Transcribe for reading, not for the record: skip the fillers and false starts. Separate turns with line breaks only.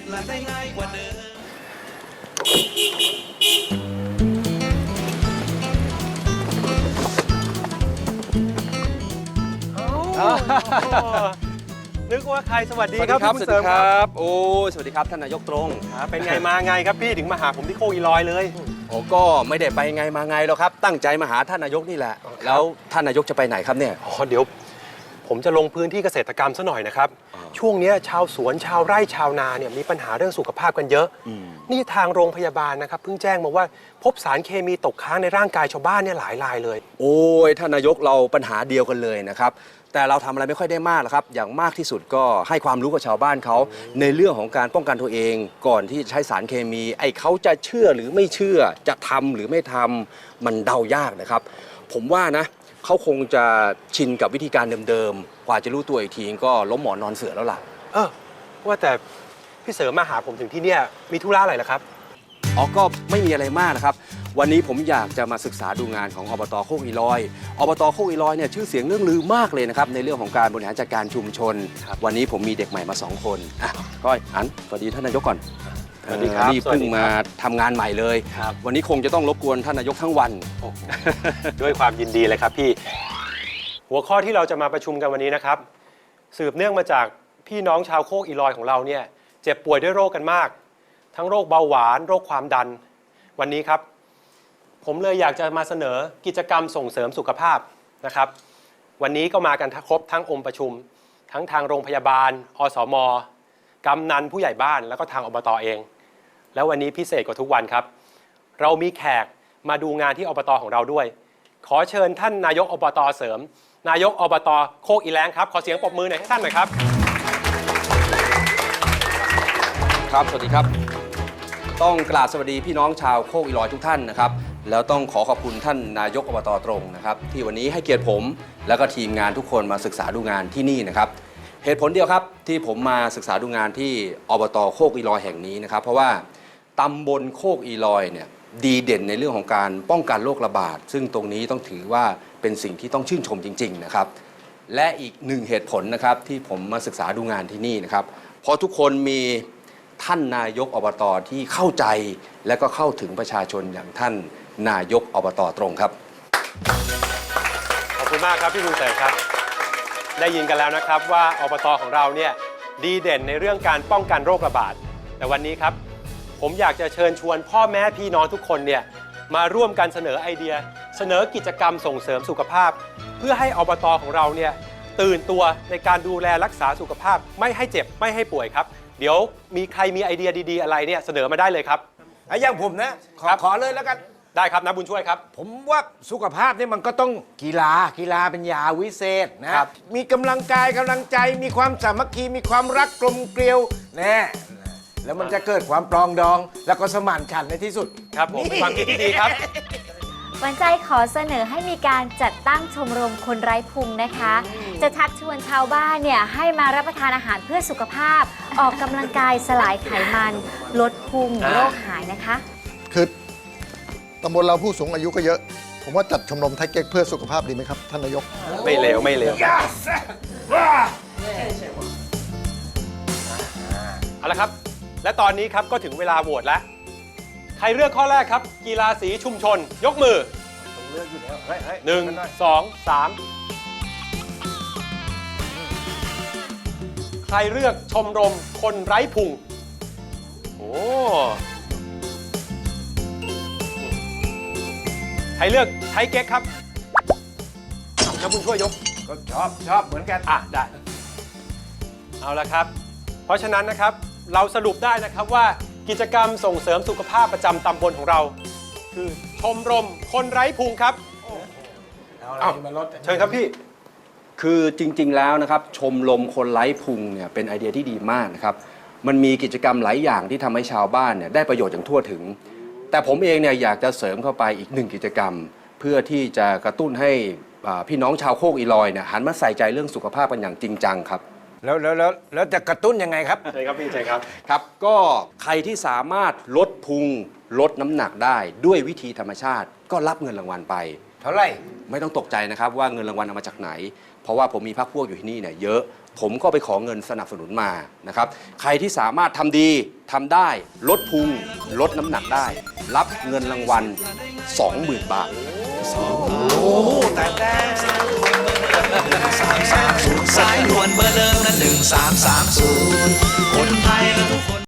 และได้ง่ายกว่าเดิม
นึกว่าใครสวัสดี
สวัส
ค
ดี
รับ
ครับ
พี่
สวัส
เสริ
ดี
ม
ค
ค
รั
รับบ
โอ้สวัสดีครับท่านนายกตรง
เป็นไงมาไงครับพี่ถึงมาหาผมที่โคกอีลอยเลย
โอ้ก็ไม่ได้ไปไงมาไงหรอกครับตั้งใจมาหาท่านนายกนี่แหละแล้วท่านนายกจะไปไหนครับเนี่ย
อ๋อเดี๋ยวผมจะลงพื้นที่เกษตรกรรมซะหน่อยนะครับช่วงนี้ชาวสวนชาวไร่ชาวนาเนี่ยมีปัญหาเรื่องสุขภาพกันเยอะนี่ทางโรงพยาบาลนะครับเพิ่งแจ้งมาว่าพบสารเคมีตกค้างในร่างกายชาวบ้านเนี่ยหลายรายเลย
โอ้ยท่านนายกเราปัญหาเดียวกันเลยนะครับแต่เราทำอะไรไม่ค่อยได้มากหรอกครับอย่างมากที่สุดก็ให้ความรู้กับชาวบ้านเขาในเรื่องของการป้องกันตัวเองก่อนที่จะใช้สารเคมีไอ้เขาจะเชื่อหรือไม่เชื่อจะทำหรือไม่ทำมันเดายากนะครับผมว่านะเขาคงจะชินกับวิธีการเดิมๆกว่าจะรู้ตัวอีกทีก็ล้มหมอนนอนเสือแล้วล่ะ
ว่าแต่พี่เสริมมาหาผมถึงที่เนี่ยมีธุระอะไรเหรอครับ
อ๋อก็ไม่มีอะไรมากนะครับวันนี้ผมอยากจะมาศึกษาดูงานของอบตโคกอีลอยอบตโคกอีลอยเนี่ยชื่อเสียงเรื่องลือมากเลยนะครับในเรื่องของการบริหารจัดการชุมชน วันนี้ผมมีเด็กใหม่มา2 คนอ่ะก้อยอันสวัสดีท่านนายกก่อน
สวัสดีครับ
นี่เพิ่งมาทำงานใหม่เลย
ครับ
วันนี้คงจะต้องรบกวนท่านนายกทั้งวัน
ด้วยความยินดีเลยครับพี่หัวข้อที่เราจะมาประชุมกันวันนี้นะครับสืบเนื่องมาจากพี่น้องชาวโคกอีลอยของเราเนี่ยเจ็บป่วยด้วยโรคกันมาก ทั้งโรคเบาหวานโรคความดันวันนี้ครับผมเลยอยากจะมาเสนอกิจกรรมส่งเสริมสุขภาพนะครับวันนี้ก็มากันครบทั้งองค์ประชุม ทั้งทางโรงพยาบาลอสมกำนันผู้ใหญ่บ้านแล้วก็ทางอบตเอง แล้ววันนี้พิเศษกว่าทุกวันครับเรามีแขกมาดูงานที่อบตของเราด้วยขอเชิญท่านนายกอบตเสริมนายกอบตโคกอีแลงครับขอเสียงปรบมือหน่อยให้ท่านหน่อยครับ
ครับสวัสดีครับต้องกราบสวัสดีพี่น้องชาวโคกอีลอยทุกท่านนะครับแล้วต้องขอขอบคุณท่านนายกอบตตรงนะครับที่วันนี้ให้เกียรติผมแล้วก็ทีมงานทุกคนมาศึกษาดูงานที่นี่นะครับเหตุผลเดียวครับที่ผมมาศึกษาดูงานที่อบตโคกอีลอยแห่งนี้นะครับเพราะว่าตำบลโคกอีลอยเนี่ยดีเด่นในเรื่องของการป้องกันโรคระบาดซึ่งตรงนี้ต้องถือว่าเป็นสิ่งที่ต้องชื่นชมจริงๆนะครับและอีกหนึ่งเหตุผลนะครับที่ผมมาศึกษาดูงานที่นี่นะครับเพราะทุกคนมีท่านนายกอบตที่เข้าใจและก็เข้าถึงประชาชนอย่างท่านนายกอบตตรงครับ
ขอบคุณมากครับพี่บุญเสริมครับได้ยินกันแล้วนะครับว่าอบตของเราเนี่ยดีเด่นในเรื่องการป้องกันโรคระบาดแต่วันนี้ครับผมอยากจะเชิญชวนพ่อแม่พี่น้องทุกคนเนี่ยมาร่วมกันเสนอไอเดียเสนอกิจกรรมส่งเสริมสุขภาพ เพื่อให้อบตของเราเนี่ยตื่นตัวในการดูแลรักษาสุขภาพไม่ให้เจ็บไม่ให้ป่วยครับเดี๋ยวมีใครมีไอเดียดีๆอะไรเนี่ยเสนอมาได้เลยครับ
อย่างผมนะขอเลยแล้วกัน
ได้ครับนะบุญช่วยครับ
ผมว่าสุขภาพนี่มันก็ต้องกีฬาเป็นยาวิเศษนะครับ มีกำลังกายกำลังใจมีความสามัคคีมีความรักกลมเกลียวแน่แล้วมันจะเกิดความปรองดอง แล้วก็สมานฉันท์ในที่สุด
ครับผมเป็นความคิดที่ดีครับ
วันใจขอเสนอให้มีการจัดตั้งชมรมคนไร้พุงนะคะ จะชักชวนชาวบ้านเนี่ยให้มารับประทานอาหารเพื่อสุขภาพ ออกกำลังกายสลายไขมัน ลดพุงโรคหายนะคะ
คือตำบลเราผู้สูงอายุก็เยอะ ผมว่าจัดชมรมไทยเก๊กเพื่อสุขภาพดีไหมครับ ท่านนายก
ไม่เลวไม่เลวเอาละครับ และตอนนี้ครับก็ถึงเวลาโหวตแล้ว ใครเลือกข้อแรกครับ กีฬาสีชุมชน ยกมือ
เลือกอยู่แล้วเฮ้ย
1 2 3 ใครเลือกชมรมคนไร้พุง โอ้ใครเลือกไทยเก๊กครับน้ำบุญช่วยยก
ก็ชอบเหมือนกัน
ได้ เอาละครับ เพราะฉะนั้นนะครับเราสรุปได้นะครับว่ากิจกรรมส่งเสริมสุขภาพประจำตำบลของเรา คือชมรมคนไร้พุงครับ
เอาอะไรมาลด
เชิญครับพี่
คือจริงๆแล้วนะครับชมรมคนไร้พุงเนี่ยเป็นไอเดียที่ดีมากนะครับมันมีกิจกรรมหลายอย่างที่ทำให้ชาวบ้านเนี่ยได้ประโยชน์อย่างทั่วถึง แต่ผมเองเนี่ยอยากจะเสริมเข้าไปอีก1กิจกรรม เพื่อที่จะกระตุ้นให้พี่น้องชาวโคกอีลอยเนี่ยหันมาใส่ใจเรื่องสุขภาพกันอย่างจริงจังครับ
แล้วจะกระตุ้นยังไงครับ
เชิญครับพี่เชิญครับ
ครับก็ใครที่สามารถลดพุงลดน้ำหนักได้ด้วยวิธีธรรมชาติก็รับเงินรางวัลไป
เท่าไหร่
ไม่ต้องตกใจนะครับว่าเงินรางวัลเอามาจากไหน เพราะว่าผมมีพรรคพวกอยู่ที่นี่เนี่ยเยอะผมก็ไปขอเงินสนับสนุนมานะครับใครที่สามารถทำดีทำได้ลดพุงลดน้ำหนักได้ รับเงินรางวัล 20,000 บาท
สายด่วนเบอร์เดิมนั้น1330คนไทยและทุกคน